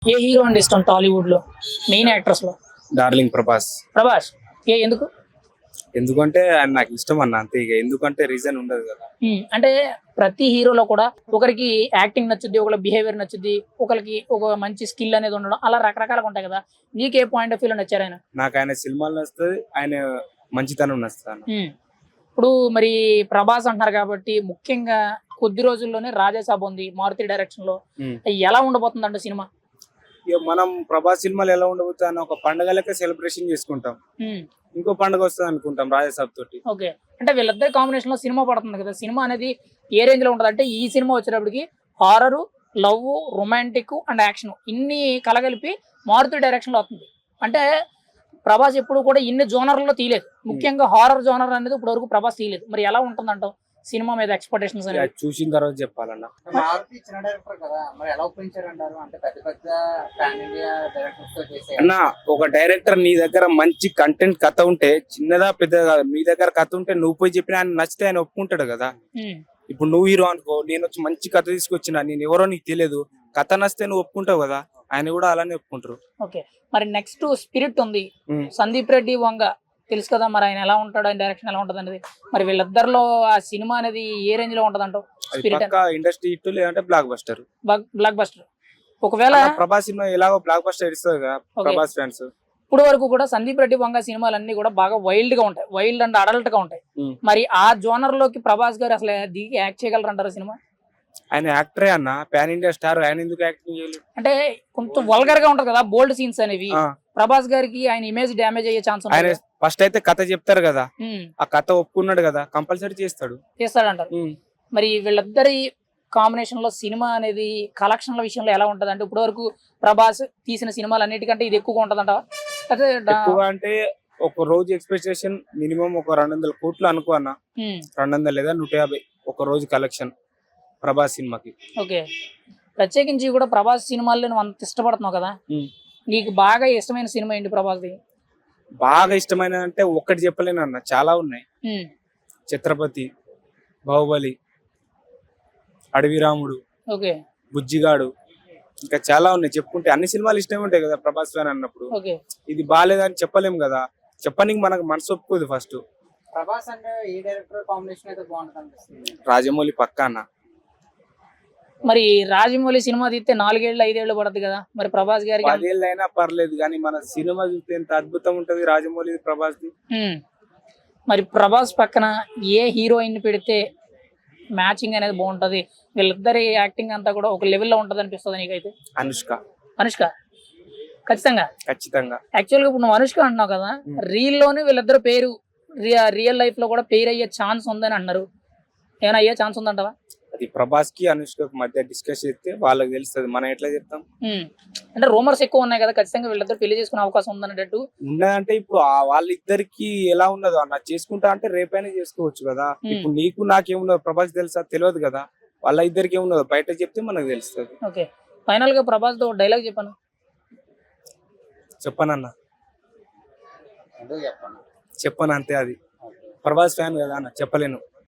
ఏ hero అంటే ఇష్టం Tollywood లో మెయిన్ యాక్టర్స్ లో? డార్లింగ్ ప్రభాస్. ప్రభాస్. ఎందుకు? ఎందుకంటే ఆయన నాకు ఇష్టం అన్న, అంతే. ఇక ఎందుకంటే రీజన్ ఉండదు కదా. అంటే ప్రతి హీరోలో కూడా ఒకరికి యాక్టింగ్ నచ్చుద్ది, ఒకరి బిహేవియర్ నచ్చుద్ది, ఒకరికి ఒక మంచి స్కిల్ అనేది ఉండడం, అలా రకరకాలుగా ఉంటాయి కదా. నీకు ఏ పాయింట్ ఆఫ్ వ్యూలో నచ్చారు ఆయన? నాకు ఆయన సినిమాలు నచ్చుతుంది, ఆయన మంచితనం నచ్చుతాను. ఇప్పుడు మరి ప్రభాస్ అంటున్నారు కాబట్టి ముఖ్యంగా కొద్ది రోజుల్లోనే రాజాసాబ్ ఉంది మారుతి డైరెక్షన్ లో. ఎలా ఉండబోతుంది అంటే సినిమా? ఇక మనం ప్రభాస్ సినిమాలు ఎలా ఉండబోతాను, ఒక పండుగ లెక్క సెలబ్రేషన్ చేసుకుంటాం. ఇంకో పండుగ వస్తుంది అనుకుంటాం రాజాసాబ్ తోటి. ఓకే, అంటే వీళ్ళిద్దరి కాంబినేషన్ లో సినిమా పడుతుంది కదా. సినిమా అనేది ఏ రేంజ్ లో ఉంటది అంటే, ఈ సినిమా వచ్చేటప్పటికి horror, love, romantic and action ఇన్ని కలగలిపి మారుతి డైరెక్షన్ లో వస్తుంది. అంటే ప్రభాస్ ఎప్పుడు కూడా ఇన్ని జోనర్లలో తీయలేదు. ముఖ్యంగా హారర్ జోనర్ అనేది ఇప్పుడు వరకు ప్రభాస్ తీయలేదు. మరి ఎలా ఉంటుందంటావు సినిమా మీద ఎక్స్పెక్టేషన్స్ అనేది? చూసిన తర్వాత చెప్పాలన్నా. మారుతి చిన్న డైరెక్టర్ కదా, మరి ఎలా ఒప్పించారంటారు? అంటే పెద్ద పెద్ద పాన్ ఇండియా డైరెక్టర్స్ తో చేసే అన్న, ఒక డైరెక్టర్ నీ దగ్గర మంచి కంటెంట్ కథ ఉంటే, చిన్నదా పెద్దదా మీ దగ్గర కథ ఉంటే నువ్వు పోయి చెప్పిన ఆయన నచ్చితే ఆయన ఒప్పుకుంటాడు కదా. ఇప్పుడు నువ్వు హీరో అనుకో, నేను వచ్చి మంచి కథ తీసుకొచ్చిన, నేను ఎవరో నీకు తెలియదు, కథ నచ్చితే నువ్వు ఒప్పుకుంటావు కదా, ఆయన కూడా అలానే ఒప్పుకుంటారు. ఓకే, మరి నెక్స్ట్ స్పిరిట్ ఉంది, సందీప్ రెడ్డి వంగ తెలుసు కదా. మరి ఆయన ఎలా ఉంటాడు, ఆయన డైరెక్షన్ ఎలా ఉంటది అనేది, మరి వీళ్ళిద్దరిలో ఆ సినిమా అనేది ఏ రేంజ్ లో ఉంటది అంటావు? స్పిరిట్ ఇండస్ట్రీ హిట్ లేదంటే బ్లాక్ బస్టర్. Blockbuster. ఒకవేళ ప్రభాస్ సినిమా ఎలాగో బ్లాక్ బస్టర్ ఇస్తుంది కదా ప్రభాస్ ఫ్యాన్స్. ఇప్పుడు వరకు కూడా సందీప్ రెడ్డి వంగ సినిమాలన్నీ కూడా బాగా వైల్డ్ గా ఉంటాయి, వైల్డ్ అండ్ అడల్ట్ గా ఉంటాయి. మరి ఆ జోనర్ లోకి ప్రభాస్ గారు అసలు దిగి యాక్ట్ చేయగలరు అంటారు సినిమా? ఆయన యాక్టరే అన్న, పాన్ ఇండియా స్టార్, ఆయన ఎందుకు యాక్టింగ్ చేయలేదు? అంటే కొంచెం వల్గర్ గా ఉంటది కదా బోల్డ్ సీన్స్ అనేవి. ప్రభాస్ గారికి ఆయన ఇమేజ్ డ్యామేజ్ అయ్యే ఛాన్స్ ఉంది. ఆయన ఫస్ట్ అయితే కథ చెప్తారు కదా, ఆ కథ ఒప్పుకున్నాడు కదా, కంపల్సరీ చేస్తాడంటారు. మరి వీళ్ళిద్దరి కాంబినేషన్ లో సినిమా అనేది కలెక్షన్ల విషయంలో ఎలా ఉంటది అంటే, ఇప్పుడు వరకు ప్రభాస్ తీసిన సినిమాలు అన్నిటికంటే ఇది ఎక్కువగా ఉంటదంటావా? ఎక్కువ అంటే ఒక రోజు ఎక్స్పెక్టేషన్ మినిమం ఒక 200 కోట్లు అనుకో అన్న. 200 లేదా 150 ఒక రోజు కలెక్షన్ ప్రభాస్ సినిమాకి. ఓకే, ప్రత్యేకించి కూడా ప్రభాస్ సినిమాల్లో నువ్వు అంత ఇష్టపడుతున్నావు కదా, నీకు బాగా ఇష్టమైన సినిమా ఏంటి ప్రభాస్ది? బాగా ఇష్టమైన అంటే ఒక్కటి చెప్పలేను అన్న, చాలా ఉన్నాయి. ఛత్రపతి, బాహుబలి, అడవి రాముడు, ఓకే, బుజ్జిగాడు, ఇంకా చాలా ఉన్నాయి. చెప్పుకుంటే అన్ని సినిమాలు ఇష్టమే ఉంటాయి కదా ప్రభాస్ ఫ్యాన్ అన్నప్పుడు. ఇది బాగాలేదని చెప్పలేము కదా, చెప్పడానికి మనకు మనసు ఒప్పుకోదు. ఫస్ట్ ప్రభాస్ అంటే ఏ డైరెక్టర్ కాంబినేషన్ అయితే బాగుంటుంది అనిపిస్తుంది? రాజమౌళి పక్కా అన్న. మరి రాజమౌళి సినిమా తీస్తే 4 ఏళ్ళు 5 ఏళ్ళు పడుతుంది కదా, మరి ప్రభాస్ గారికి 10 ఏళ్ళు అయినా పర్లేదు, కానీ మన సినిమా చూస్తే ఎంత అద్భుతం ఉంటది రాజమౌళి ప్రభాస్ ది. మరి ప్రభాస్ పక్కన ఏ హీరోయిన్ పెడితే మ్యాచింగ్ అనేది బాగుంటది, వీళ్ళిద్దరి యాక్టింగ్ అంతా కూడా ఒక లెవెల్లో ఉంటది అనిపిస్తుంది నీకైతే? అనుష్క. అనుష్క ఖచ్చితంగా. యాక్చువల్గా ఇప్పుడు నువ్వు అనుష్క అంటున్నావు కదా, రీల్ లోనే వీళ్ళిద్దరు పేరు రియల్ లైఫ్ లో కూడా పేరు అయ్యే ఛాన్స్ ఉందని అన్నారు. ఏమైనా అయ్యే ఛాన్స్ ఉందంటావా? అది ప్రభాస్ కి అనుష్కకి మధ్య డిస్కస్ చేస్తే వాళ్ళకి తెలుస్తుంది, మనం ఎట్లా చెప్తాం. అంటే రూమర్స్ ఎక్కువ ఉన్నాయి కదా, ఖచ్చితంగా వీళ్ళిద్దరు పెళ్లి చేసుకునే అవకాశం ఉందన్నట్టు ఉన్నదంటే. ఇప్పుడు వాళ్ళిద్దరికి ఎలా ఉన్నదో అన్న, చేసుకుంటా అంటే రేపైనా చేసుకోవచ్చు కదా. ఇప్పుడు నీకు నాకేమున్నదో ప్రభాస్ తెలుసా? తెలియదు కదా. వాళ్ళ ఇద్దరికి ఏమున్నదో బయట చెప్తే మనకు తెలుస్తుంది. ఓకే, ఫైనల్ గా ప్రభాస్ తో డైలాగ్ చెప్పనన్న, చెప్పను అంతే. అది ప్రభాస్ ఫ్యాన్ కదా అన్న, చెప్పలేను.